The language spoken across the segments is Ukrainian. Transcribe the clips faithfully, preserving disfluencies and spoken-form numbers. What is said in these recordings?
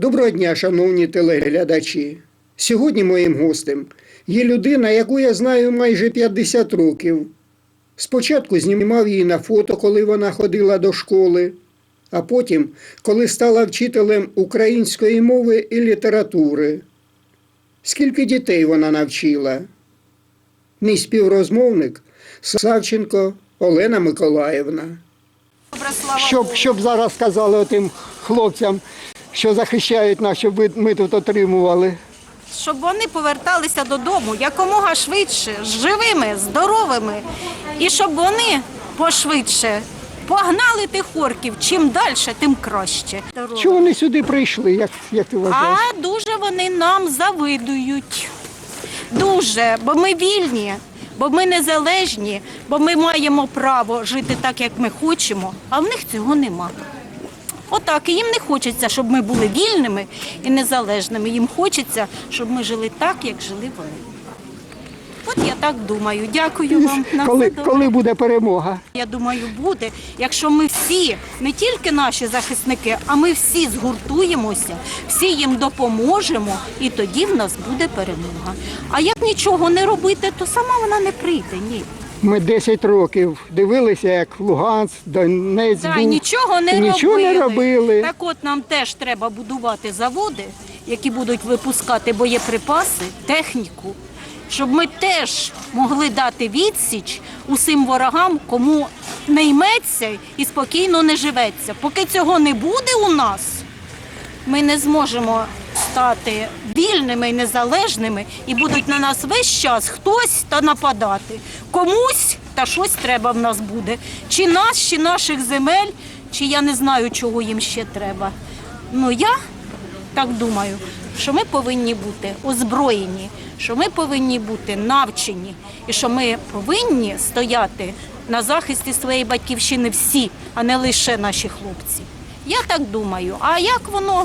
Доброго дня, шановні телеглядачі. Сьогодні моїм гостем є людина, яку я знаю майже п'ятдесят років. Спочатку знімав її на фото, коли вона ходила до школи, а потім, коли стала вчителем української мови і літератури. Скільки дітей вона навчила? Мій співрозмовник Савченко Олена Миколаївна. Щоб, щоб зараз сказали тим хлопцям, що захищають нас, щоб ми тут отримували. Щоб вони поверталися додому якомога швидше, живими, здоровими. І щоб вони пошвидше погнали тих орків. Чим далі, тим краще. Чого вони сюди прийшли, як, як ти вважаєш? А дуже вони нам завидують. Дуже, бо ми вільні, бо ми незалежні, бо ми маємо право жити так, як ми хочемо, а в них цього нема. Отак, і їм не хочеться, щоб ми були вільними і незалежними. Їм хочеться, щоб ми жили так, як жили вони. От я так думаю. Дякую вам. На Коли, все добре. коли буде перемога? Я думаю, буде, якщо ми всі, не тільки наші захисники, а ми всі згуртуємося, всі їм допоможемо, і тоді в нас буде перемога. А як нічого не робити, то сама вона не прийде, ні. Ми десять років дивилися, як Луганськ, Донець Да, був. нічого не нічого робили. не робили. Так от нам теж треба будувати заводи, які будуть випускати боєприпаси, техніку, щоб ми теж могли дати відсіч усім ворогам, кому не йметься і спокійно не живеться. Поки цього не буде у нас, ми не зможемо стати вільними і незалежними, і будуть на нас весь час хтось та нападати. Комусь та щось треба в нас буде. Чи нас, чи наших земель, чи я не знаю, чого їм ще треба. Ну я так думаю, що ми повинні бути озброєні, що ми повинні бути навчені, і що ми повинні стояти на захисті своєї батьківщини всі, а не лише наші хлопці. Я так думаю. А як воно?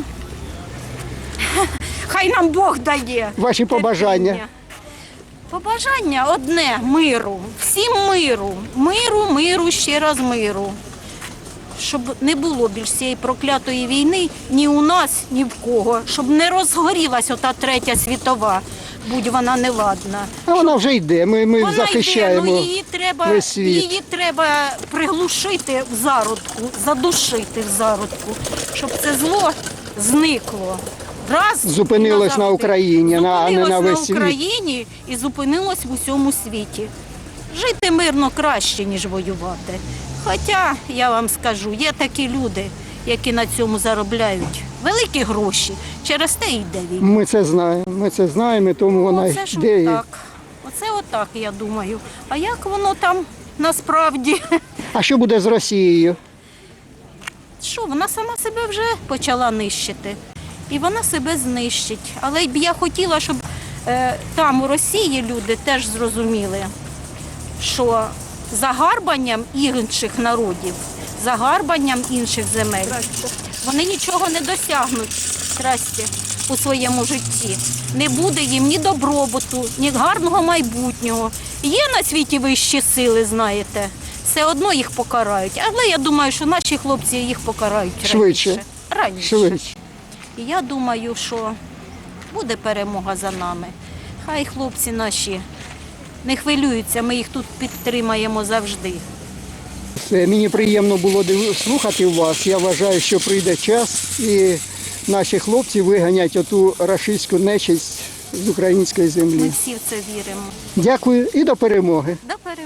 Хай нам Бог дає. Ваші побажання? терпіння. Побажання одне – миру. Всім миру. Миру, миру, ще раз миру. Щоб не було більш цієї проклятої війни ні у нас, ні в кого. Щоб не розгорілась ота третя світова, будь вона неладна. А вона вже йде, ми, ми Вона захищаємо йде, ну, її треба, весь світ. її треба приглушити в зародку, задушити в зародку, щоб це зло зникло. Раз Зупинилось і на Україні, а не на весь на світ. Україні і зупинилось в усьому світі. Жити мирно краще, ніж воювати. Хоча, я вам скажу, є такі люди, які на цьому заробляють великі гроші. Через те й йде війна. Ми це знаємо, ми це знаємо, тому вона Оце ж йде. отак. Оце отак, я думаю. А як воно там насправді? А що буде з Росією? Що, вона сама себе вже почала нищити. І вона себе знищить. Але б я хотіла, щоб е, там у Росії люди теж зрозуміли, що загарбанням інших народів, загарбанням інших земель, вони нічого не досягнуть здрасте, у своєму житті. Не буде їм ні добробуту, ні гарного майбутнього. Є на світі вищі сили, знаєте, все одно їх покарають. Але я думаю, що наші хлопці їх покарають раніше. Швидше. Раніше. Швидше. І я думаю, що буде перемога за нами. Хай хлопці наші не хвилюються, ми їх тут підтримаємо завжди. Все, мені приємно було див- слухати вас. Я вважаю, що прийде час і наші хлопці виганять оту рашистську нечисть з української Ми землі. всі в це віримо. Дякую і до перемоги. До перемоги.